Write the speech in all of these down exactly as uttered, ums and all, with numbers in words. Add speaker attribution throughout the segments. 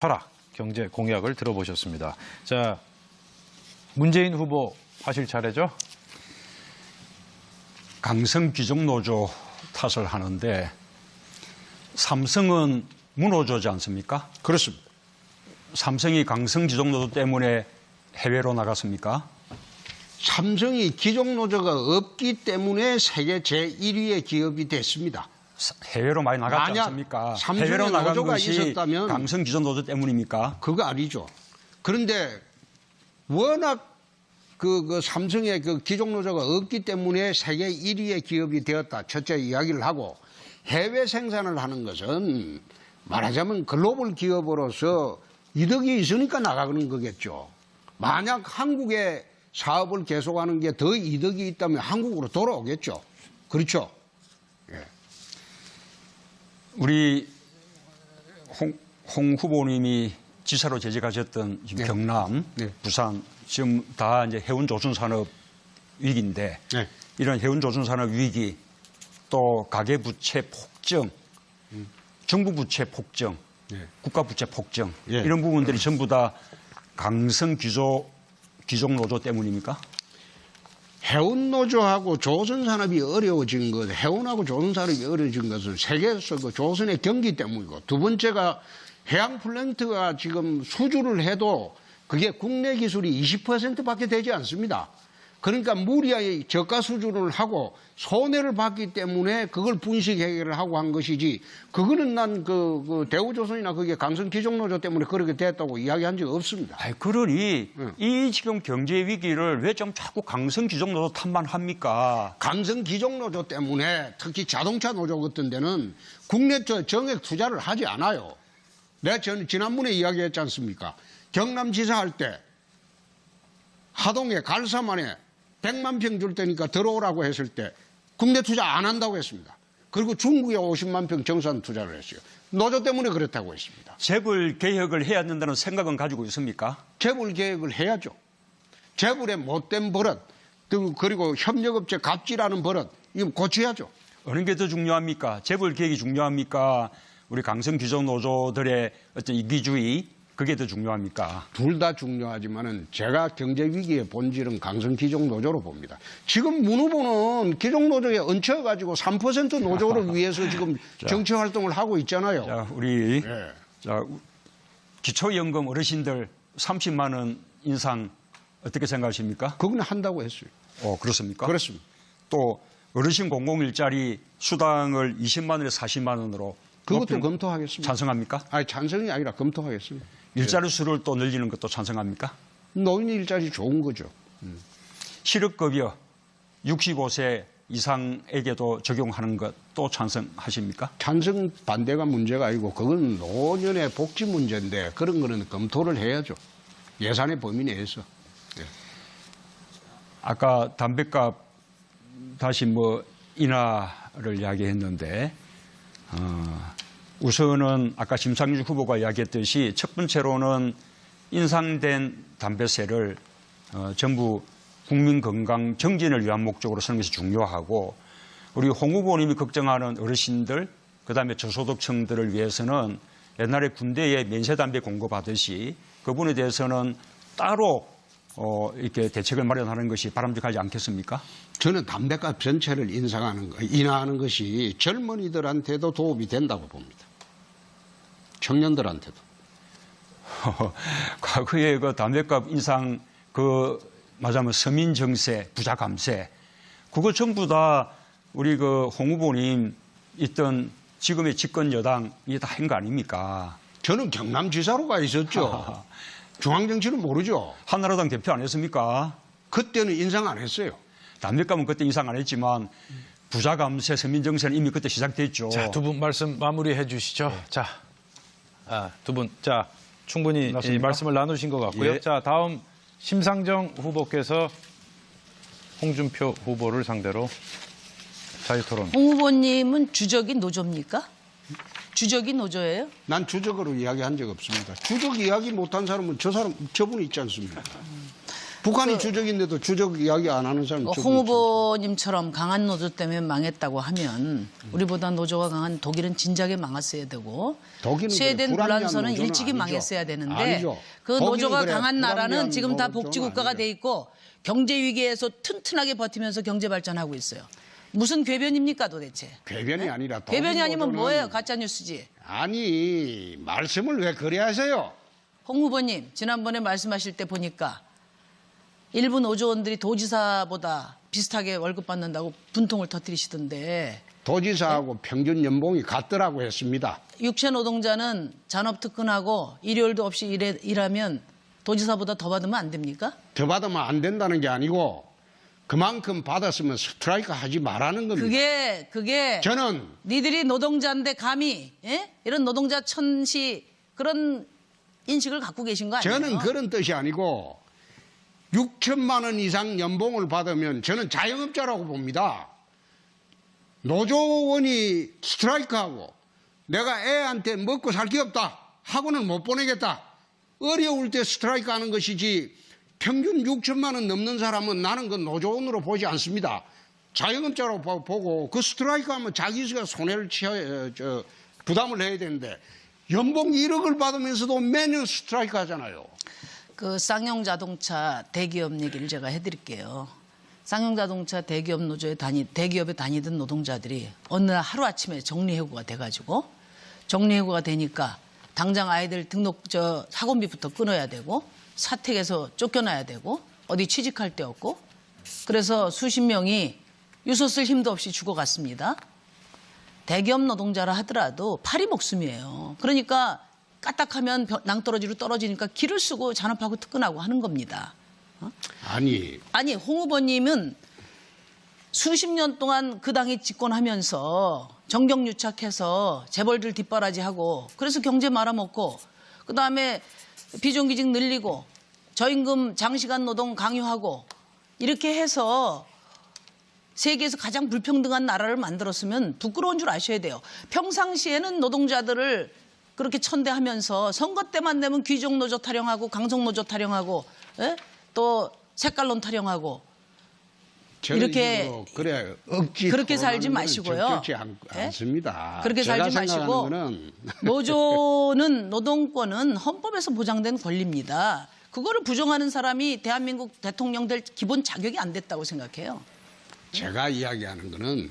Speaker 1: 철학, 경제 공약을 들어보셨습니다. 자, 문재인 후보 하실 차례죠?
Speaker 2: 강성 귀족노조 탓을 하는데 삼성은 문호조지 않습니까?
Speaker 3: 그렇습니다.
Speaker 2: 삼성이 강성 귀족노조 때문에 해외로 나갔습니까?
Speaker 3: 삼성이 귀족노조가 없기 때문에 세계 제일 위의 기업이 됐습니다.
Speaker 2: 해외로 많이 나갔지
Speaker 3: 만약
Speaker 2: 않습니까?
Speaker 3: 삼성의
Speaker 2: 해외로 나간
Speaker 3: 노조가
Speaker 2: 것이
Speaker 3: 있었다면
Speaker 2: 강성 귀족노조 때문입니까?
Speaker 3: 그거 아니죠. 그런데 워낙 그, 그 삼성의 그 귀족노조가 없기 때문에 세계 일 위의 기업이 되었다. 첫째 이야기를 하고, 해외 생산을 하는 것은 말하자면 글로벌 기업으로서 이득이 있으니까 나가는 거겠죠. 만약 한국의 사업을 계속하는 게 더 이득이 있다면 한국으로 돌아오겠죠. 그렇죠. 예.
Speaker 2: 우리 홍, 홍 후보님이 지사로 재직하셨던 지금
Speaker 3: 네.
Speaker 2: 경남,
Speaker 3: 네.
Speaker 2: 부산 지금 다 이제 해운 조선 산업 위기인데
Speaker 3: 네.
Speaker 2: 이런 해운 조선 산업 위기 또 가계 부채 폭증,
Speaker 3: 음.
Speaker 2: 정부 부채 폭증,
Speaker 3: 네.
Speaker 2: 국가 부채 폭증
Speaker 3: 예.
Speaker 2: 이런 부분들이 전부 다 강성 귀족 귀족 노조 때문입니까?
Speaker 3: 해운노조하고 조선산업이 어려워진 것, 해운하고 조선산업이 어려워진 것은 세계에서 그 조선의 경기 때문이고, 두 번째가 해양 플랜트가 지금 수주를 해도 그게 국내 기술이 이십 퍼센트밖에 되지 않습니다. 그러니까 무리하게 저가 수주를 하고 손해를 봤기 때문에 그걸 분식 해결을 하고 한 것이지, 그거는 난 그, 그 대우조선이나 그게 강성 귀족노조 때문에 그렇게 됐다고 이야기한 적이 없습니다.
Speaker 2: 아이, 그러니
Speaker 3: 응.
Speaker 2: 이 지금 경제 위기를 왜 좀 자꾸 강성 귀족 노조 탓만 합니까?
Speaker 3: 강성 귀족노조 때문에 특히 자동차 노조 같은 데는 국내 정액 투자를 하지 않아요. 내가 전 지난번에 이야기했지 않습니까? 경남지사 할 때 하동에 갈사만에 백만 평 줄 테니까 들어오라고 했을 때 국내 투자 안 한다고 했습니다. 그리고 중국에 오십만 평 정산 투자를 했어요. 노조 때문에 그렇다고 했습니다.
Speaker 2: 재벌 개혁을 해야 된다는 생각은 가지고 있습니까?
Speaker 3: 재벌 개혁을 해야죠. 재벌의 못된 버릇, 그리고 협력업체 갑질하는 버릇, 이거 고쳐야죠.
Speaker 2: 어느 게 더 중요합니까? 재벌 개혁이 중요합니까? 우리 강성 귀족 노조들의 어떤 이기주의, 그게 더 중요합니까?
Speaker 3: 둘 다 중요하지만은 제가 경제 위기의 본질은 강성 귀족 노조로 봅니다. 지금 문 후보는 귀족 노조에 얹혀가지고 삼 퍼센트 노조를 위해서 지금 정치 활동을 하고 있잖아요.
Speaker 2: 자, 우리
Speaker 3: 네.
Speaker 2: 자, 기초연금 어르신들 삼십만 원 인상 어떻게 생각하십니까?
Speaker 3: 그건 한다고 했어요.
Speaker 2: 어, 그렇습니까?
Speaker 3: 그렇습니다.
Speaker 2: 또 어르신 공공일자리 수당을 이십만 원에서 사십만 원으로
Speaker 3: 그것도
Speaker 2: 높이는
Speaker 3: 검토하겠습니다.
Speaker 2: 찬성합니까?
Speaker 3: 아니, 찬성이 아니라 검토하겠습니다.
Speaker 2: 일자리 수를 또 늘리는 것도 찬성합니까?
Speaker 3: 노인 일자리 좋은 거죠.
Speaker 2: 실업급여 육십오 세 이상에게도 적용하는 것도 찬성하십니까?
Speaker 3: 찬성 반대가 문제가 아니고 그건 노년의 복지 문제인데 그런 거는 검토를 해야죠. 예산의 범위 내에서.
Speaker 2: 아까 담배값 다시 뭐 인하를 이야기했는데 어, 우선은 아까 심상정 후보가 이야기했듯이 첫 번째로는 인상된 담배세를 어, 전부 국민 건강 정진을 위한 목적으로 쓰는 것이 중요하고, 우리 홍 후보님이 걱정하는 어르신들, 그다음에 저소득층들을 위해서는 옛날에 군대에 면세담배 공급하듯이 그분에 대해서는 따로 어, 이렇게 대책을 마련하는 것이 바람직하지 않겠습니까?
Speaker 3: 저는 담배값 전체를 인상하는 거, 인하하는 것이 젊은이들한테도 도움이 된다고 봅니다. 청년들한테도.
Speaker 2: 과거에 그 담배값 인상, 그, 말하자면 서민 정세, 부자 감세, 그거 전부 다 우리 그 홍 후보님 있던 지금의 집권 여당이 다 한 거 아닙니까?
Speaker 3: 저는 경남지사로 가 있었죠. 중앙정치는 모르죠.
Speaker 2: 한나라당 대표 안 했습니까?
Speaker 3: 그때는 인상 안 했어요.
Speaker 2: 담배값은 그때 인상 안 했지만 부자 감세, 서민 정세는 이미 그때 시작됐죠.
Speaker 1: 자, 두 분 말씀 마무리해 주시죠.
Speaker 2: 네.
Speaker 1: 자, 아, 두 분, 자, 충분히 이
Speaker 2: 맞습니까?
Speaker 1: 말씀을 나누신 것 같고요.
Speaker 2: 예.
Speaker 1: 자, 다음 심상정 후보께서 홍준표 후보를 상대로 자유토론.
Speaker 4: 홍 후보님은 주적인 노조입니까? 주적인 노조예요?
Speaker 3: 난 주적으로 이야기한 적 없습니다. 주적 이야기 못한 사람은 저 사람, 저분이 있지 않습니까? 북한이 주적인데도 주적 이야기 안 하는 사람
Speaker 4: 어,
Speaker 3: 저기
Speaker 4: 홍
Speaker 3: 있죠.
Speaker 4: 후보님처럼 강한 노조 때문에 망했다고 하면 우리보다 노조가 강한 독일은 진작에 망했어야 되고
Speaker 3: 독일은
Speaker 4: 스웨덴
Speaker 3: 그래, 불합리한
Speaker 4: 불란서는
Speaker 3: 노조는
Speaker 4: 일찍이
Speaker 3: 아니죠.
Speaker 4: 망했어야 되는데
Speaker 3: 아니죠.
Speaker 4: 그
Speaker 3: 독일은
Speaker 4: 노조가
Speaker 3: 그래,
Speaker 4: 강한 나라는
Speaker 3: 불합리한
Speaker 4: 지금 다
Speaker 3: 노조는
Speaker 4: 복지국가가
Speaker 3: 아니죠.
Speaker 4: 돼 있고 경제 위기에서 튼튼하게 버티면서 경제 발전하고 있어요. 무슨 궤변입니까 도대체?
Speaker 3: 궤변이 아니라 독일
Speaker 4: 궤변이 아니면
Speaker 3: 노조는
Speaker 4: 뭐예요? 가짜 뉴스지.
Speaker 3: 아니 말씀을 왜 그래 하세요?
Speaker 4: 홍 후보님 지난번에 말씀하실 때 보니까 일부 노조원들이 도지사보다 비슷하게 월급 받는다고 분통을 터뜨리시던데
Speaker 3: 도지사하고 평균 연봉이 같더라고 했습니다.
Speaker 4: 육체 노동자는 잔업 특근하고 일요일도 없이 일해, 일하면 도지사보다 더 받으면 안 됩니까?
Speaker 3: 더 받으면 안 된다는 게 아니고 그만큼 받았으면 스트라이크 하지 말라는 겁니다.
Speaker 4: 그게 그게
Speaker 3: 저는
Speaker 4: 니들이 노동자인데 감히 예? 이런 노동자 천시 그런 인식을 갖고 계신 거 아니에요?
Speaker 3: 저는 그런 뜻이 아니고 육천만 원 이상 연봉을 받으면 저는 자영업자라고 봅니다. 노조원이 스트라이크하고 내가 애한테 먹고 살 게 없다 하고는 못 보내겠다. 어려울 때 스트라이크 하는 것이지 평균 육천만 원 넘는 사람은 나는 그 노조원으로 보지 않습니다. 자영업자로 보- 보고 그 스트라이크 하면 자기가 손해를 취해, 저, 부담을 해야 되는데 연봉 일억을 받으면서도 매년 스트라이크 하잖아요.
Speaker 4: 그 쌍용 자동차 대기업 얘기를 제가 해드릴게요. 쌍용 자동차 대기업 노조에 다니 대기업에 다니던 노동자들이 어느 날 하루 아침에 정리해고가 돼가지고 정리해고가 되니까 당장 아이들 등록 저 학원비부터 끊어야 되고 사택에서 쫓겨나야 되고 어디 취직할 데 없고 그래서 수십 명이 유서 쓸 힘도 없이 죽어갔습니다. 대기업 노동자라 하더라도 팔이 목숨이에요. 그러니까 까딱하면 벼- 낭떠러지로 떨어지니까 길을 쓰고 잔업하고 특근하고 하는 겁니다.
Speaker 3: 아니
Speaker 4: 아니 홍 후보님은 수십 년 동안 그 당이 집권하면서 정경유착해서 재벌들 뒷바라지하고 그래서 경제 말아먹고 그다음에 비정규직 늘리고 저임금 장시간 노동 강요하고 이렇게 해서 세계에서 가장 불평등한 나라를 만들었으면 부끄러운 줄 아셔야 돼요. 평상시에는 노동자들을 그렇게 천대하면서 선거 때만 되면 귀족노조 타령하고 강성노조 타령하고 예? 또 색깔론 타령하고 이렇게
Speaker 3: 그래 억지
Speaker 4: 그렇게 살지
Speaker 3: 토론하는
Speaker 4: 마시고요.
Speaker 3: 거는 적절치 않,
Speaker 4: 예?
Speaker 3: 않습니다.
Speaker 4: 그렇게
Speaker 3: 제가
Speaker 4: 살지 마시고
Speaker 3: 생각하는 거는
Speaker 4: 노조는 노동권은 헌법에서 보장된 권리입니다. 그거를 부정하는 사람이 대한민국 대통령 될 기본 자격이 안 됐다고 생각해요.
Speaker 3: 제가 이야기하는 거는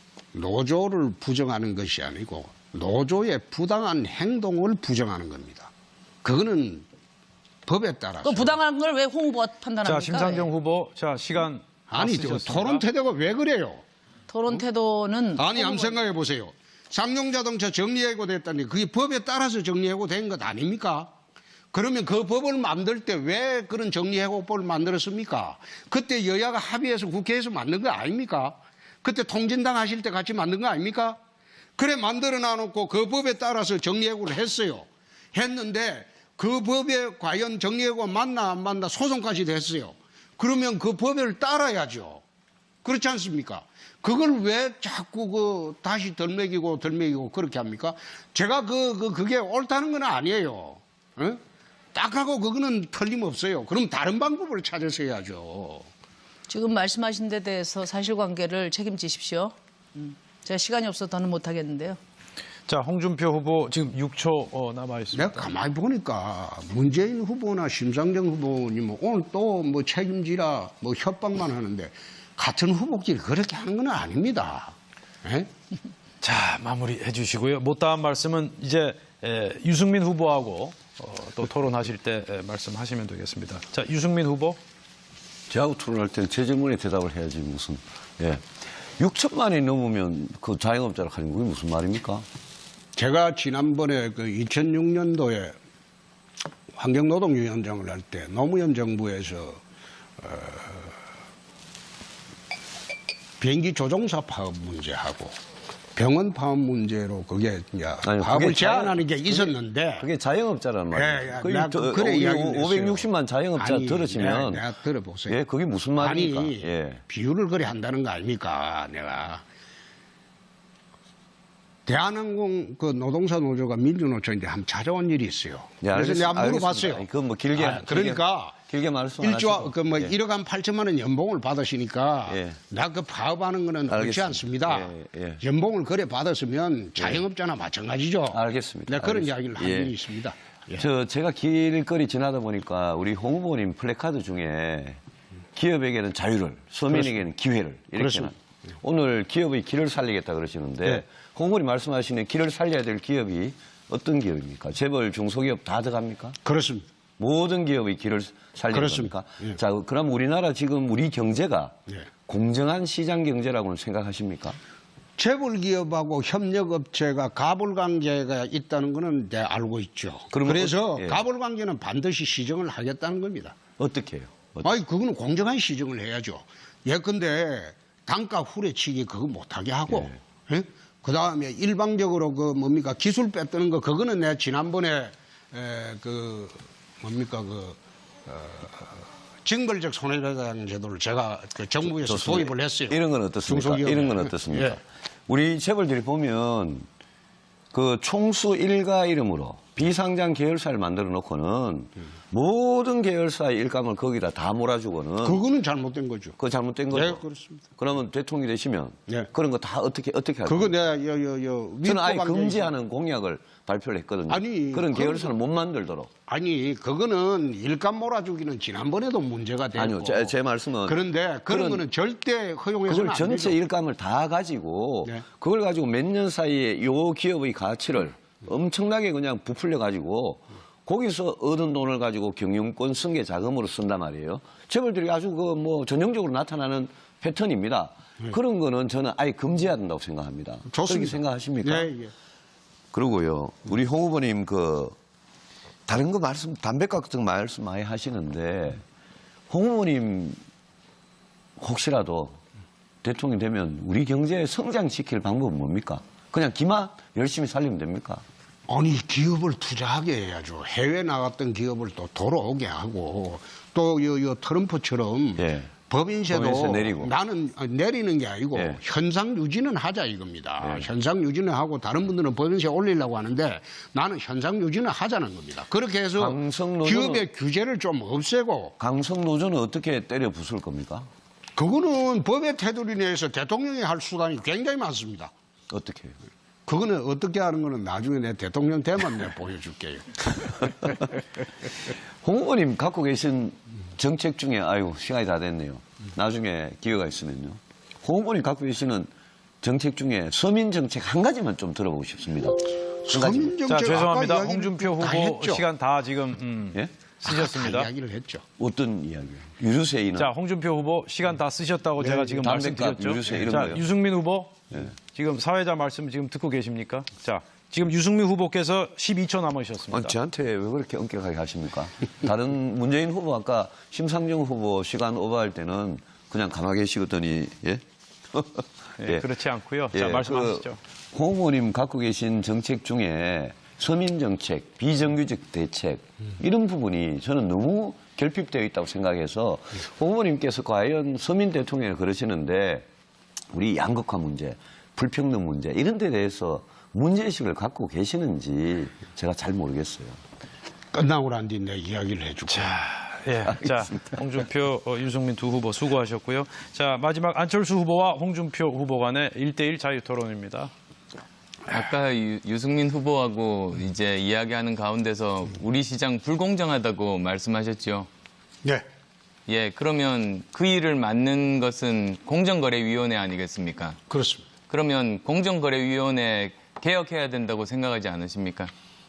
Speaker 3: 노조를 부정하는 것이 아니고 노조의 부당한 행동을 부정하는 겁니다. 그거는 법에 따라서
Speaker 4: 그 부당한 걸 왜 홍 후보가 판단합니까?
Speaker 1: 자, 심상정 후보, 자 시간 다
Speaker 3: 아니
Speaker 1: 쓰셨습니다.
Speaker 3: 토론 태도가 왜 그래요?
Speaker 4: 토론 태도는
Speaker 3: 아니 한번
Speaker 4: 홍 후보-
Speaker 3: 생각해 보세요. 쌍용자동차 정리해고 됐다니 그게 법에 따라서 정리해고 된 것 아닙니까? 그러면 그 법을 만들 때 왜 그런 정리해고법을 만들었습니까? 그때 여야가 합의해서 국회에서 만든 거 아닙니까? 그때 통진당 하실 때 같이 만든 거 아닙니까? 그래 만들어 놔놓고 그 법에 따라서 정리해고를 했어요. 했는데 그 법에 과연 정리해고가 맞나 안 맞나 소송까지 됐어요. 그러면 그 법을 따라야죠. 그렇지 않습니까? 그걸 왜 자꾸 그 다시 덜 먹이고 덜 먹이고 그렇게 합니까? 제가 그, 그 그게 옳다는 건 아니에요. 어? 딱 하고 그거는 틀림없어요. 그럼 다른 방법을 찾아서 해야죠.
Speaker 4: 지금 말씀하신 데 대해서 사실관계를 책임지십시오. 음, 제가 시간이 없어서 더는 못하겠는데요.
Speaker 1: 자, 홍준표 후보 지금 육 초 어, 남아 있습니다.
Speaker 3: 내가 가만히 보니까 문재인 후보나 심상정 후보님은 오늘 또 뭐 책임지라 뭐 협박만 하는데 같은 후보끼리 그렇게 하는 건 아닙니다. 에?
Speaker 1: 자, 마무리해 주시고요. 못다한 말씀은 이제 에, 유승민 후보하고 어, 또 토론하실 때 에, 말씀하시면 되겠습니다. 자, 유승민 후보.
Speaker 5: 저하고 토론할 때는 제 질문에 대답을 해야지 무슨. 예. 육천만이 넘으면 그 자영업자를 하는 게 무슨 말입니까?
Speaker 3: 제가 지난번에 그 이천육 년도에 환경노동위원장을 할 때 노무현 정부에서 어, 비행기 조종사 파업 문제하고 병원 파업 문제로 그게 이제
Speaker 5: 아니,
Speaker 3: 파업을
Speaker 5: 그게
Speaker 3: 제한하는 게
Speaker 5: 그게-
Speaker 3: 있었는데
Speaker 5: 그게 자영업자라는 말이에요.
Speaker 3: 예, 예,
Speaker 5: 그게
Speaker 3: 내가
Speaker 5: 저-
Speaker 3: 그래
Speaker 5: 우리
Speaker 3: 이야기를
Speaker 5: 오백육십만
Speaker 3: 했어요.
Speaker 5: 자영업자
Speaker 3: 아니,
Speaker 5: 들으시면
Speaker 3: 내가, 내가 들어보세요.
Speaker 5: 예, 그게 무슨 말입니까?
Speaker 3: 아니
Speaker 5: 예.
Speaker 3: 비유를 그래 한다는 거 아닙니까? 내가 대한항공 그 노동사 노조가 민주노총인데 한번 찾아온 일이 있어요.
Speaker 5: 네,
Speaker 3: 그래서
Speaker 5: 알겠-
Speaker 3: 내가 물어봤어요.
Speaker 5: 알겠습니다. 그건 뭐 길게
Speaker 3: 아, 그러니까
Speaker 5: 길게, 길게 말씀 안
Speaker 3: 일조
Speaker 5: 하시고.
Speaker 3: 그뭐
Speaker 5: 예.
Speaker 3: 일억 한 팔천만 원 연봉을 받으시니까
Speaker 5: 예.
Speaker 3: 나 그 파업하는 거는 그렇지
Speaker 5: 알겠습니다.
Speaker 3: 않습니다.
Speaker 5: 예, 예.
Speaker 3: 연봉을 그래 받았으면 자영업자나 마찬가지죠.
Speaker 5: 알겠습니다.
Speaker 3: 네, 그런
Speaker 5: 알겠습니다.
Speaker 3: 이야기를 한
Speaker 5: 예.
Speaker 3: 적이 있습니다. 예.
Speaker 5: 저 제가 길거리 지나다 보니까 우리 홍 후보님 플래카드 중에 기업에게는 자유를, 서민에게는 기회를 이렇게
Speaker 3: 그렇습니다.
Speaker 5: 오늘 기업의 길을 살리겠다 그러시는데
Speaker 3: 네.
Speaker 5: 홍 후보님 말씀하시는 길을 살려야 될 기업이 어떤 기업입니까? 재벌, 중소기업 다 들어갑니까?
Speaker 3: 그렇습니다.
Speaker 5: 모든 기업의 길을 살리는
Speaker 3: 그렇습니다.
Speaker 5: 겁니까?
Speaker 3: 예.
Speaker 5: 자, 그럼 우리나라 지금 우리 경제가
Speaker 3: 예.
Speaker 5: 공정한 시장 경제라고는 생각하십니까?
Speaker 3: 재벌 기업하고 협력업체가 가불 관계가 있다는 거는 내 알고 있죠.
Speaker 5: 그러면
Speaker 3: 그래서
Speaker 5: 어- 예.
Speaker 3: 가불 관계는 반드시 시정을 하겠다는 겁니다.
Speaker 5: 어떻게 해요? 어-
Speaker 3: 아니 그거는 공정한 시정을 해야죠. 예컨대 단가 후레치기 그거 못하게 하고, 예? 그 다음에 일방적으로 그 뭡니까 기술 뺏드는 거 그거는 내가 지난번에 에, 그 뭡니까 그 어, 징벌적 손해배상 제도를 제가 그 정부에서
Speaker 5: 좋습니다.
Speaker 3: 도입을 했어요.
Speaker 5: 이런 건 어떻습니까?
Speaker 3: 중소기업에.
Speaker 5: 이런 건 어떻습니까?
Speaker 3: 예.
Speaker 5: 우리 재벌들이 보면 그 총수 일가 이름으로 비상장 계열사를 만들어 놓고는 모든 계열사의 일감을 거기다 다 몰아주고는
Speaker 3: 그거는 잘못된 거죠.
Speaker 5: 그거 잘못된 거죠.
Speaker 3: 네, 그렇습니다.
Speaker 5: 그러면 대통령이 되시면
Speaker 3: 네.
Speaker 5: 그런 거 다 어떻게 어떻게 할
Speaker 3: 그거
Speaker 5: 겁니까?
Speaker 3: 내가 여, 여, 여,
Speaker 5: 저는 아예
Speaker 3: 위법
Speaker 5: 금지하는 공약을 발표를 했거든요.
Speaker 3: 아니,
Speaker 5: 그런
Speaker 3: 그건-
Speaker 5: 계열사는 못 만들도록.
Speaker 3: 아니 그거는 일감 몰아주기는 지난번에도 문제가 되고
Speaker 5: 아니요, 제, 제 말씀은
Speaker 3: 그런데 그런
Speaker 5: 그런-
Speaker 3: 거는 절대 허용해서는
Speaker 5: 그걸
Speaker 3: 안
Speaker 5: 전체
Speaker 3: 되죠.
Speaker 5: 일감을 다 가지고
Speaker 3: 네.
Speaker 5: 그걸 가지고 몇 년 사이에 요 기업의 가치를 엄청나게 그냥 부풀려 가지고 거기서 얻은 돈을 가지고 경영권 승계 자금으로 쓴단 말이에요. 재벌들이 아주 그 뭐 전형적으로 나타나는 패턴입니다. 그런 거는 저는 아예 금지해야 된다고 생각합니다. 그렇게
Speaker 3: 네. 좋습니다.
Speaker 5: 생각하십니까?
Speaker 3: 예, 예.
Speaker 5: 그러고요. 우리 홍 후보님 그 다른 거 말씀 담배값 같은 거 말씀 많이 하시는데 홍 후보님 혹시라도 대통령 되면 우리 경제 성장시킬 방법은 뭡니까? 그냥 기만 열심히 살리면 됩니까?
Speaker 3: 아니 기업을 투자하게 해야죠. 해외 나갔던 기업을 또 돌아오게 하고 또 요 요 트럼프처럼
Speaker 5: 예.
Speaker 3: 법인세도
Speaker 5: 법인세 내리고.
Speaker 3: 나는 아, 내리는 게 아니고
Speaker 5: 예.
Speaker 3: 현상 유지는 하자 이겁니다.
Speaker 5: 예.
Speaker 3: 현상 유지는 하고 다른 분들은 법인세 올리려고 하는데 나는 현상 유지는 하자는 겁니다. 그렇게 해서
Speaker 5: 강성노조는-
Speaker 3: 기업의 규제를 좀 없애고
Speaker 5: 강성 노조는 어떻게 때려 부술 겁니까?
Speaker 3: 그거는 법의 테두리 내에서 대통령이 할 수단이 굉장히 많습니다.
Speaker 5: 어떻게 해요?
Speaker 3: 그거는 어떻게 하는 거는 나중에 내 대통령 되면 내가 보여줄게요.
Speaker 5: 홍 후보님 갖고 계신 정책 중에 아이고 시간이 다 됐네요. 나중에 기회가 있으면요. 홍 후보님 갖고 계시는 정책 중에 서민 정책 한 가지만 좀 들어보고 싶습니다. 한 가지만.
Speaker 3: 서민 정책
Speaker 1: 자, 죄송합니다.
Speaker 3: 아까 이야기를
Speaker 1: 홍준표
Speaker 3: 다
Speaker 1: 후보
Speaker 3: 했죠.
Speaker 1: 시간 다 지금 음,
Speaker 5: 예?
Speaker 1: 쓰셨습니다.
Speaker 3: 아까 다 이야기를 했죠.
Speaker 5: 어떤 이야기요? 유류세 인하.
Speaker 1: 자, 홍준표 후보 시간 다 쓰셨다고 제가 지금
Speaker 5: 담배값,
Speaker 1: 말씀드렸죠.
Speaker 5: 유류세 이런
Speaker 1: 자,
Speaker 5: 거요.
Speaker 1: 유승민 후보 지금 사회자 말씀 지금 듣고 계십니까? 자, 지금 유승민 후보께서 십이 초 남으셨습니다.
Speaker 5: 아니, 저한테 왜 그렇게 엄격하게 하십니까? 다른 문재인 후보 아까 심상정 후보 시간 오버할 때는 그냥 가만히 계시더니 예?
Speaker 1: 예, 그렇지 않고요. 자, 말씀하시죠.
Speaker 5: 그, 홍 후보님 갖고 계신 정책 중에 서민 정책, 비정규직 대책 이런 부분이 저는 너무 결핍되어 있다고 생각해서 홍 후보님께서 과연 서민 대통령을 그러시는데 우리 양극화 문제, 불평등 문제 이런 데 대해서 문제의식을 갖고 계시는지 제가 잘 모르겠어요.
Speaker 3: 끝나고 난 뒤 내 이야기를 해주고.
Speaker 1: 예, 자, 홍준표, 어, 유승민 두 후보 수고하셨고요. 자, 마지막 안철수 후보와 홍준표 후보 간의 일 대일 자유 토론입니다.
Speaker 6: 아까 유, 유승민 후보하고 이제 이야기하는 가운데서 우리 시장 불공정하다고 말씀하셨죠.
Speaker 3: 네.
Speaker 6: 예, 그러면 그 일을 맡는 것은 공정거래위원회 아니겠습니까?
Speaker 3: 그렇습니다.
Speaker 6: 그러면 공정거래위원회 개혁해야 된다고 생각하지 않으십니까?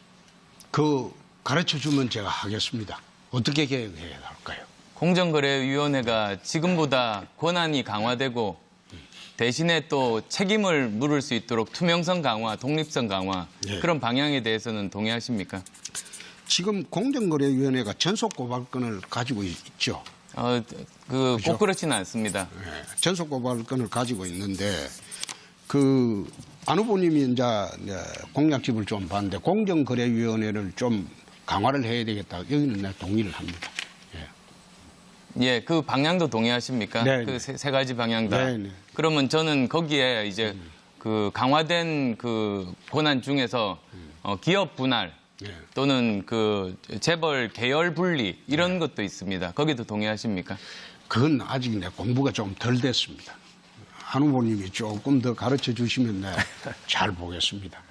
Speaker 3: 그 가르쳐 주면 제가 하겠습니다. 어떻게 개혁해야 할까요?
Speaker 6: 공정거래위원회가 지금보다 권한이 강화되고 대신에 또 책임을 물을 수 있도록 투명성 강화, 독립성 강화
Speaker 3: 예.
Speaker 6: 그런 방향에 대해서는 동의하십니까?
Speaker 3: 지금 공정거래위원회가 전속고발권을 가지고 있죠.
Speaker 6: 어, 그, 꼭 그렇지는 않습니다.
Speaker 3: 예, 전속고발권을 가지고 있는데 그 안 후보님이 이제 공약집을 좀 봤는데 공정거래위원회를 좀 강화를 해야 되겠다. 여기는 내가 동의를 합니다. 예.
Speaker 6: 예, 그 방향도 동의하십니까?
Speaker 3: 네,
Speaker 6: 그
Speaker 3: 네.
Speaker 6: 세, 세 가지 방향 다.
Speaker 3: 네, 네.
Speaker 6: 그러면 저는 거기에 이제 그 강화된 그 권한 중에서 어, 기업 분할
Speaker 3: 네.
Speaker 6: 또는 그 재벌 계열 분리 이런 것도 있습니다. 거기도 동의하십니까?
Speaker 3: 그건 아직 내 공부가 좀 덜 됐습니다. 한 후보님이 조금 더 가르쳐 주시면 내 잘 보겠습니다.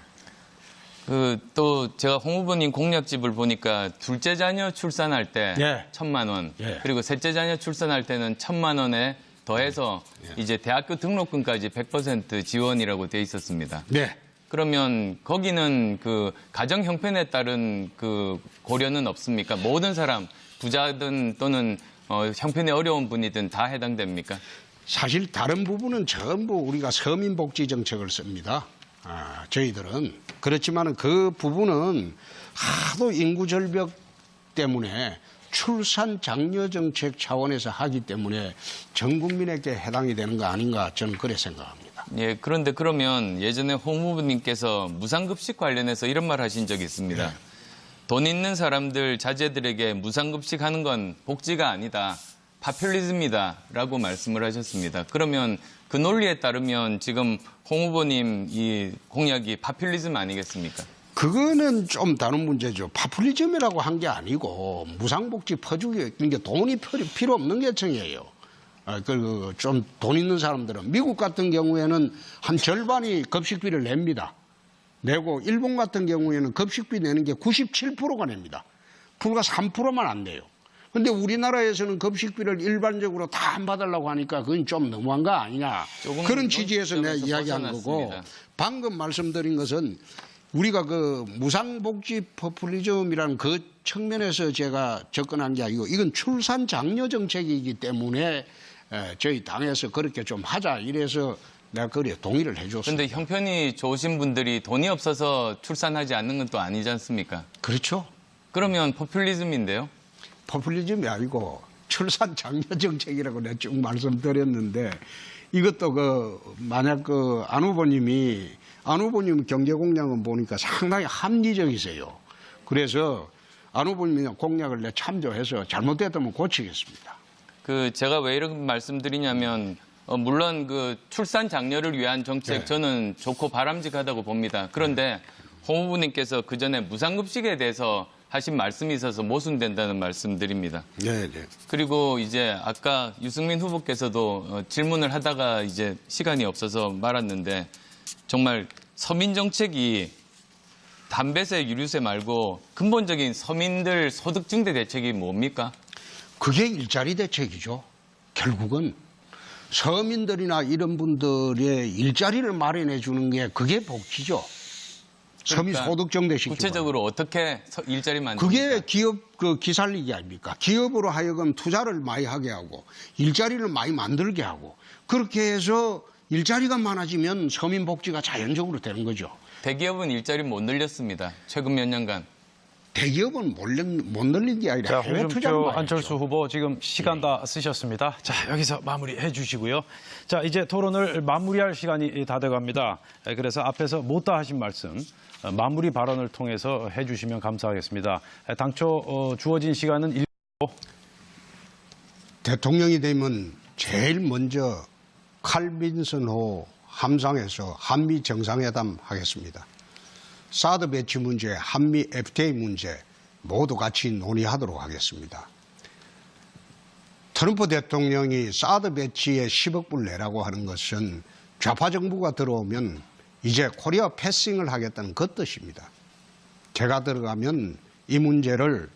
Speaker 6: 그 또 제가 홍 후보님 공약집을 보니까 둘째 자녀 출산할 때
Speaker 3: 예.
Speaker 6: 천만 원,
Speaker 3: 예.
Speaker 6: 그리고 셋째 자녀 출산할 때는 천만 원에 더해서 이제 대학교 등록금까지 백 퍼센트 지원이라고 돼 있었습니다.
Speaker 3: 네.
Speaker 6: 그러면 거기는 그 가정 형편에 따른 그 고려는 없습니까? 모든 사람 부자든 또는 어, 형편이 어려운 분이든 다 해당됩니까?
Speaker 3: 사실 다른 부분은 전부 우리가 서민복지 정책을 씁니다. 아, 저희들은. 그렇지만 그 부분은 하도 인구 절벽 때문에 출산 장려 정책 차원에서 하기 때문에 전 국민에게 해당이 되는 거 아닌가 저는 그래 생각합니다.
Speaker 6: 예, 그런데 그러면 예전에 홍 후보님께서 무상급식 관련해서 이런 말 하신 적이 있습니다.
Speaker 3: 네.
Speaker 6: 돈 있는 사람들, 자제들에게 무상급식 하는 건 복지가 아니다. 파퓰리즘이다라고 말씀을 하셨습니다. 그러면 그 논리에 따르면 지금 홍 후보님 이 공약이 파퓰리즘 아니겠습니까?
Speaker 3: 그거는 좀 다른 문제죠. 파퓰리즘이라고 한 게 아니고 무상복지 퍼주기 이게 돈이 필요 없는 계층이에요. 아, 그 좀 돈 있는 사람들은 미국 같은 경우에는 한 절반이 급식비를 냅니다. 내고 일본 같은 경우에는 급식비 내는 게 구십칠 퍼센트가 냅니다. 불과 삼 퍼센트만 안 내요. 근데 우리나라에서는 급식비를 일반적으로 다 안 받으려고 하니까 그건 좀 너무한 거 아니냐.
Speaker 6: 조금
Speaker 3: 그런 취지에서 내가
Speaker 6: 논점에서
Speaker 3: 이야기한
Speaker 6: 벗어났습니다.
Speaker 3: 거고 방금 말씀드린 것은 우리가 그 무상복지 포퓰리즘이라는 그 측면에서 제가 접근한 게 아니고 이건 출산 장려 정책이기 때문에 저희 당에서 그렇게 좀 하자 이래서 내가 그래 동의를 해줬습니다.
Speaker 6: 그런데 형편이 좋으신 분들이 돈이 없어서 출산하지 않는 건 또 아니지 않습니까?
Speaker 3: 그렇죠.
Speaker 6: 그러면 포퓰리즘인데요.
Speaker 3: 포퓰리즘이 아니고 출산 장려 정책이라고 내가 쭉 말씀드렸는데 이것도 그 만약 그 안 후보님이 안 후보님 경제 공약은 보니까 상당히 합리적이세요. 그래서 안 후보님 공약을 내 참조해서 잘못됐다면 고치겠습니다.
Speaker 6: 그 제가 왜 이런 말씀드리냐면 어, 물론 그 출산 장려를 위한 정책
Speaker 3: 네.
Speaker 6: 저는 좋고 바람직하다고 봅니다. 그런데 홍 후보님께서 그 전에 무상급식에 대해서 하신 말씀이 있어서 모순된다는 말씀드립니다.
Speaker 3: 네, 네.
Speaker 6: 그리고 이제 아까 유승민 후보께서도 어, 질문을 하다가 이제 시간이 없어서 말았는데 정말 서민 정책이 담배세, 유류세 말고 근본적인 서민들 소득 증대 대책이 뭡니까?
Speaker 3: 그게 일자리 대책이죠. 결국은 서민들이나 이런 분들의 일자리를 마련해 주는 게 그게 복지죠. 서민
Speaker 6: 그러니까
Speaker 3: 소득 증대시키고.
Speaker 6: 구체적으로 어떻게 서- 일자리 만듭니까?
Speaker 3: 그게 기업 그 기살리기 아닙니까? 기업으로 하여금 투자를 많이 하게 하고 일자리를 많이 만들게 하고 그렇게 해서 일자리가 많아지면 서민 복지가 자연적으로 되는 거죠.
Speaker 6: 대기업은 일자리 못 늘렸습니다. 최근 몇 년간.
Speaker 3: 대기업은 못, 늘- 못 늘린 게 아니라
Speaker 1: 자,
Speaker 3: 해외 투자를
Speaker 1: 홍준표
Speaker 3: 많이
Speaker 1: 안철수
Speaker 3: 했죠.
Speaker 1: 후보 지금 시간 다 쓰셨습니다. 자, 여기서 마무리해 주시고요. 자, 이제 토론을 마무리할 시간이 다 돼갑니다. 그래서 앞에서 못다 하신 말씀 어, 마무리 발언을 통해서 해 주시면 감사하겠습니다. 당초 어, 주어진 시간은 일 분.
Speaker 3: 대통령이 되면 제일 먼저 칼빈슨호 함상에서 한미 정상회담 하겠습니다. 사드 배치 문제, 한미 에프티에이 문제 모두 같이 논의하도록 하겠습니다. 트럼프 대통령이 사드 배치에 십억 불 내라고 하는 것은 좌파 정부가 들어오면 이제 코리아 패싱을 하겠다는 그 뜻입니다. 제가 들어가면 이 문제를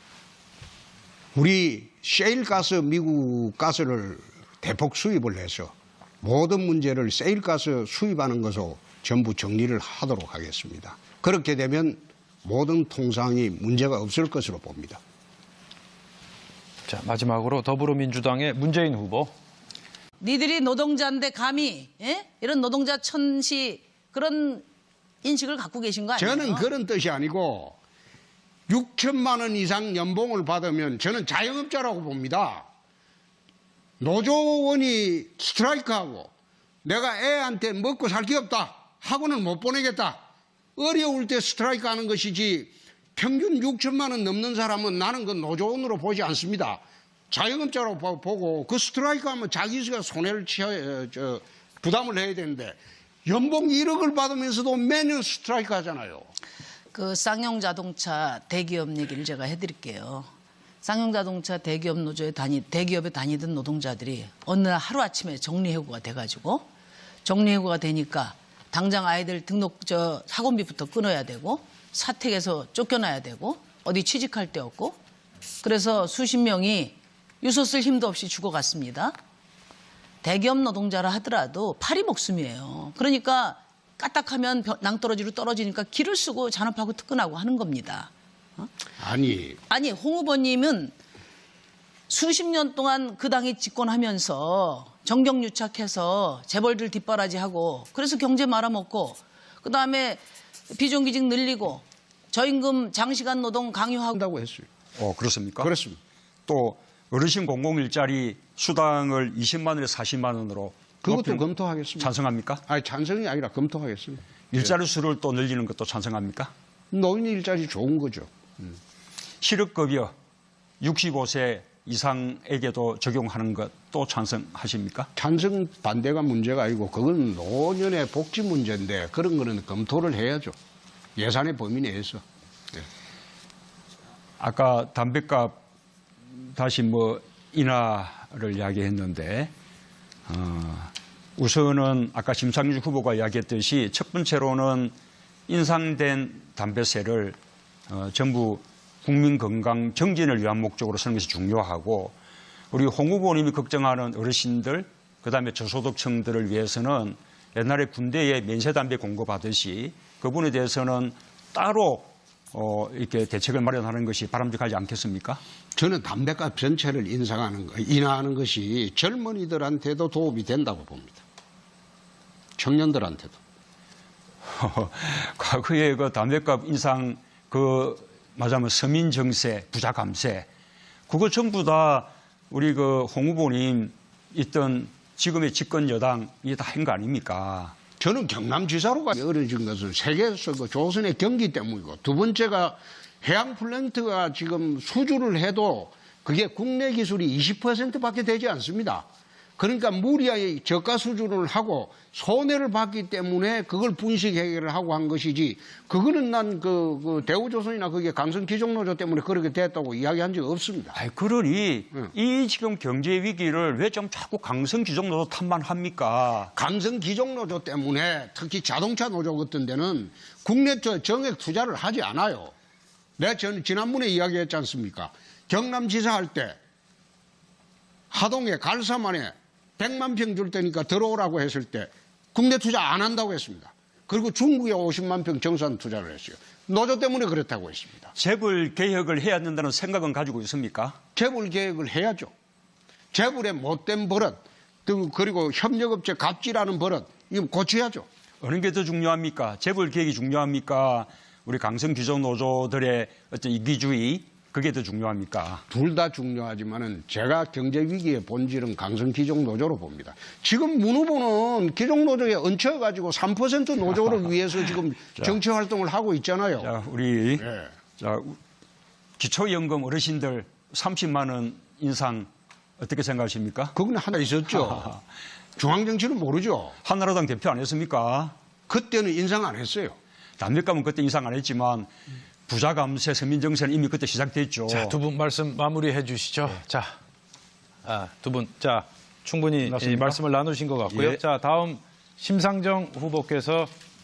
Speaker 3: 우리 셰일 가스, 미국 가스를 대폭 수입을 해서 모든 문제를 셰일 가스 수입하는 것으로 전부 정리를 하도록 하겠습니다. 그렇게 되면 모든 통상이 문제가 없을 것으로 봅니다.
Speaker 1: 자, 마지막으로 더불어민주당의 문재인 후보.
Speaker 4: 니들이 노동자인데 감히 예? 이런 노동자 천시 그런 인식을 갖고 계신 거 아니에요?
Speaker 3: 저는 그런 뜻이 아니고 육천만 원 이상 연봉을 받으면 저는 자영업자라고 봅니다. 노조원이 스트라이크하고 내가 애한테 먹고 살 게 없다 하고는 못 보내겠다. 어려울 때 스트라이크 하는 것이지 평균 육천만 원 넘는 사람은 나는 그 노조원으로 보지 않습니다. 자영업자로 보고 그 스트라이크 하면 자기가 손해를 취해, 저, 부담을 해야 되는데 연봉 일억을 받으면서도 매년 스트라이크 하잖아요.
Speaker 4: 그 쌍용 자동차 대기업 얘기를 제가 해드릴게요. 쌍용 자동차 대기업 노조에 다니 대기업에 다니던 노동자들이 어느 날 하루 아침에 정리해고가 돼가지고 정리해고가 되니까 당장 아이들 등록 저 학원비부터 끊어야 되고 사택에서 쫓겨나야 되고 어디 취직할 데 없고 그래서 수십 명이 유서 쓸 힘도 없이 죽어갔습니다. 대기업 노동자라 하더라도 팔이 목숨이에요. 그러니까 까딱하면 낭떠러지로 떨어지니까 길을 쓰고 잔업하고 특근하고 하는 겁니다.
Speaker 3: 아니
Speaker 4: 아니 홍 후보님은 수십 년 동안 그 당이 집권하면서 정경유착해서 재벌들 뒷바라지하고 그래서 경제 말아먹고 그다음에 비정규직 늘리고 저임금 장시간 노동 강요하고
Speaker 3: 한다고 했어요.
Speaker 2: 어, 그렇습니까?
Speaker 3: 그렇습니다.
Speaker 2: 또 어르신 공공일자리 수당을 이십만 원에서 사십만 원으로
Speaker 3: 그것도
Speaker 2: 높이는-
Speaker 3: 검토하겠습니다.
Speaker 2: 찬성합니까?
Speaker 3: 아니 찬성이 아니라 검토하겠습니다.
Speaker 2: 일자리 수를 또 늘리는 것도 찬성합니까?
Speaker 3: 노인 일자리 좋은 거죠.
Speaker 2: 실업급여 육십오 세 이상에게도 적용하는 것도 찬성하십니까?
Speaker 3: 찬성 반대가 문제가 아니고 그건 노년의 복지 문제인데 그런 거는 검토를 해야죠. 예산의 범위 내에서.
Speaker 2: 아까 담배값 다시 뭐 인하를 이야기했는데 어, 우선은 아까 심상정 후보가 이야기했듯이 첫 번째로는 인상된 담배세를 어, 전부 국민 건강 정진을 위한 목적으로 쓰는 것이 중요하고 우리 홍 후보님이 걱정하는 어르신들 그다음에 저소득층들을 위해서는 옛날에 군대에 면세담배 공급하듯이 그분에 대해서는 따로 어, 이렇게 대책을 마련하는 것이 바람직하지 않겠습니까?
Speaker 3: 저는 담배값 전체를 인상하는 거, 인하하는 것이 젊은이들한테도 도움이 된다고 봅니다. 청년들한테도.
Speaker 2: 과거에 그 담배값 인상 그 말하자면 서민 정세, 부자 감세 그거 전부 다 우리 그 홍 후보님 있던 지금의 집권 여당이 다 한 거 아닙니까?
Speaker 3: 저는 경남지사로가 어려진 것은 세계에서 그 조선의 경기 때문이고 두 번째가 해양 플랜트가 지금 수주를 해도 그게 국내 기술이 이십 퍼센트밖에 되지 않습니다. 그러니까 무리하게 저가 수주를 하고 손해를 봤기 때문에 그걸 분식 해결을 하고 한 것이지 그거는 난 그 그 대우조선이나 그게 강성기종노조 때문에 그렇게 됐다고 이야기한 적이 없습니다.
Speaker 2: 아이, 그러니
Speaker 3: 응.
Speaker 2: 이 지금 경제 위기를 왜 좀 자꾸 강성규정노조 탓만 합니까?
Speaker 3: 강성기종노조 때문에 특히 자동차 노조 같은 데는 국내 저 정액 투자를 하지 않아요. 내가 전 지난번에 이야기했지 않습니까? 경남지사 할 때 하동에 갈사만에 백만 평 줄 테니까 들어오라고 했을 때 국내 투자 안 한다고 했습니다. 그리고 중국에 오십만 평 정산 투자를 했어요. 노조 때문에 그렇다고 했습니다.
Speaker 2: 재벌 개혁을 해야 된다는 생각은 가지고 있습니까?
Speaker 3: 재벌 개혁을 해야죠. 재벌의 못된 버릇, 그리고 협력업체 갑질하는 버릇, 이거 고쳐야죠.
Speaker 2: 어느 게 더 중요합니까? 재벌 개혁이 중요합니까? 우리 강성규정 노조들의 어떤 이기주의 그게 더 중요합니까?
Speaker 3: 둘 다 중요하지만은 제가 경제 위기의 본질은 강성 기종 노조로 봅니다. 지금 문 후보는 기종 노조에 얹혀가지고 삼 퍼센트 노조를 위해서 지금 정치 활동을 하고 있잖아요.
Speaker 2: 자, 우리
Speaker 3: 네.
Speaker 2: 자, 기초연금 어르신들 삼십만 원 인상 어떻게 생각하십니까?
Speaker 3: 그건 하나 있었죠. 중앙정치는 모르죠.
Speaker 2: 한나라당 대표 안 했습니까?
Speaker 3: 그때는 인상 안 했어요.
Speaker 2: 담배값은 그때 인상 안 했지만 부자 감세, 서민 정세는 이미 그때 시작됐죠.
Speaker 1: 자, 두 분 말씀 마무리해 주시죠. 자, 아, 두 분, 자, 충분히 이 말씀을 나누신 것 같고요.
Speaker 2: 예.
Speaker 1: 자, 다음 심상정 후보께서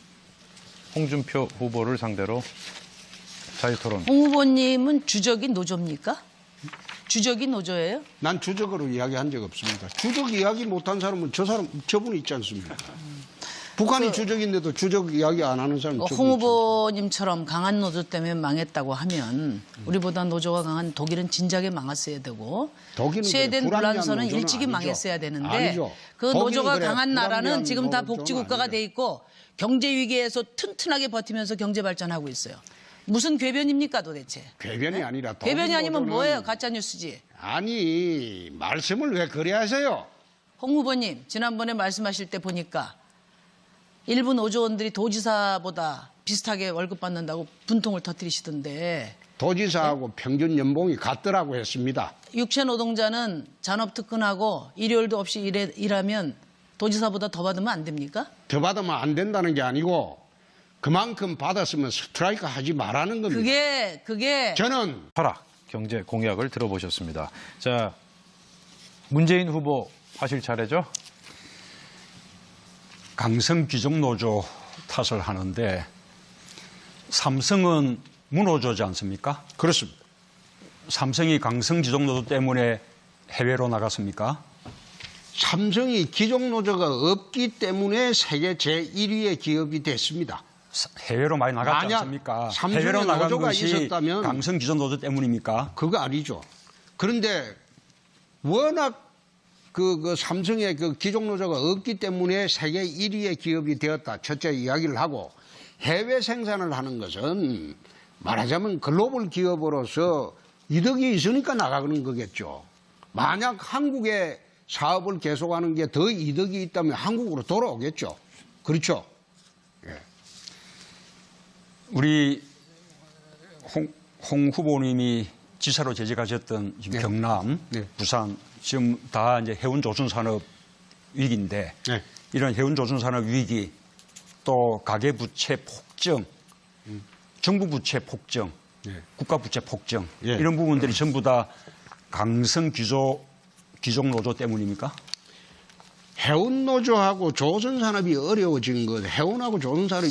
Speaker 1: 홍준표 후보를 상대로 자유토론.
Speaker 4: 홍 후보님은 주적이 노조입니까? 주적이 노조예요?
Speaker 3: 난 주적으로 이야기한 적 없습니다. 주적 이야기 못한 사람은 저 사람, 저분이 있지 않습니까? 북한이 주적인데도 주적 이야기 안 하는 사람은
Speaker 4: 어,
Speaker 3: 저분이
Speaker 4: 홍
Speaker 3: 있지
Speaker 4: 후보님처럼 강한 노조 때문에 망했다고 하면 우리보다 노조가 강한 독일은 진작에 망했어야 되고
Speaker 3: 독일은
Speaker 4: 스웨덴
Speaker 3: 그래, 불합리한
Speaker 4: 불란서는
Speaker 3: 노조는
Speaker 4: 일찍이
Speaker 3: 아니죠.
Speaker 4: 망했어야 되는데
Speaker 3: 아니죠.
Speaker 4: 그
Speaker 3: 독일은
Speaker 4: 노조가
Speaker 3: 그래,
Speaker 4: 강한 나라는
Speaker 3: 불합리한
Speaker 4: 지금 다
Speaker 3: 노조는
Speaker 4: 복지국가가
Speaker 3: 아니죠.
Speaker 4: 돼 있고 경제 위기에서 튼튼하게 버티면서 경제 발전하고 있어요. 무슨 궤변입니까 도대체?
Speaker 3: 궤변이 아니라 독일
Speaker 4: 궤변이 아니면
Speaker 3: 노조는-
Speaker 4: 뭐예요? 가짜 뉴스지.
Speaker 3: 아니 말씀을 왜 그래 하세요?
Speaker 4: 홍 후보님 지난번에 말씀하실 때 보니까 일부 노조원들이 도지사보다 비슷하게 월급 받는다고 분통을 터뜨리시던데
Speaker 3: 도지사하고 평균 연봉이 같더라고 했습니다.
Speaker 4: 육체 노동자는 잔업 특근하고 일요일도 없이 일해, 일하면 도지사보다 더 받으면 안 됩니까?
Speaker 3: 더 받으면 안 된다는 게 아니고 그만큼 받았으면 스트라이크 하지 말라는 겁니다.
Speaker 4: 그게 그게
Speaker 3: 저는
Speaker 1: 하락 경제 공약을 들어보셨습니다. 자, 문재인 후보 하실 차례죠?
Speaker 2: 강성 귀족노조 탓을 하는데 삼성은 문호조지 않습니까?
Speaker 3: 그렇습니다.
Speaker 2: 삼성이 강성 귀족노조 때문에 해외로 나갔습니까?
Speaker 3: 삼성이 기종노조가 없기 때문에 세계 제일 위의 기업이 됐습니다.
Speaker 2: 사- 해외로 많이 나갔지
Speaker 3: 만약
Speaker 2: 않습니까?
Speaker 3: 삼성의
Speaker 2: 해외로 나간
Speaker 3: 노조가
Speaker 2: 것이
Speaker 3: 있었다면
Speaker 2: 강성 귀족노조 때문입니까?
Speaker 3: 그거 아니죠. 그런데 워낙 그, 그 삼성의 그 기종노조가 없기 때문에 세계 일 위의 기업이 되었다. 첫째 이야기를 하고 해외 생산을 하는 것은 말하자면 글로벌 기업으로서 이득이 있으니까 나가는 거겠죠. 만약 한국에 사업을 계속하는 게 더 이득이 있다면 한국으로 돌아오겠죠. 그렇죠.
Speaker 2: 우리 홍, 홍 후보님이 지사로 재직하셨던 지금
Speaker 3: 네.
Speaker 2: 경남,
Speaker 3: 네.
Speaker 2: 부산 지금 다 이제 해운 조선 산업 위기인데
Speaker 3: 네.
Speaker 2: 이런 해운 조선 산업 위기 또 가계 부채 폭증, 정부 부채 폭증,
Speaker 3: 네.
Speaker 2: 국가 부채 폭증
Speaker 3: 예.
Speaker 2: 이런 부분들이 전부 다 강성 귀족 귀족 노조 때문입니까?
Speaker 3: 해운노조하고 조선산업이 어려워진 것, 해운하고 조선산업이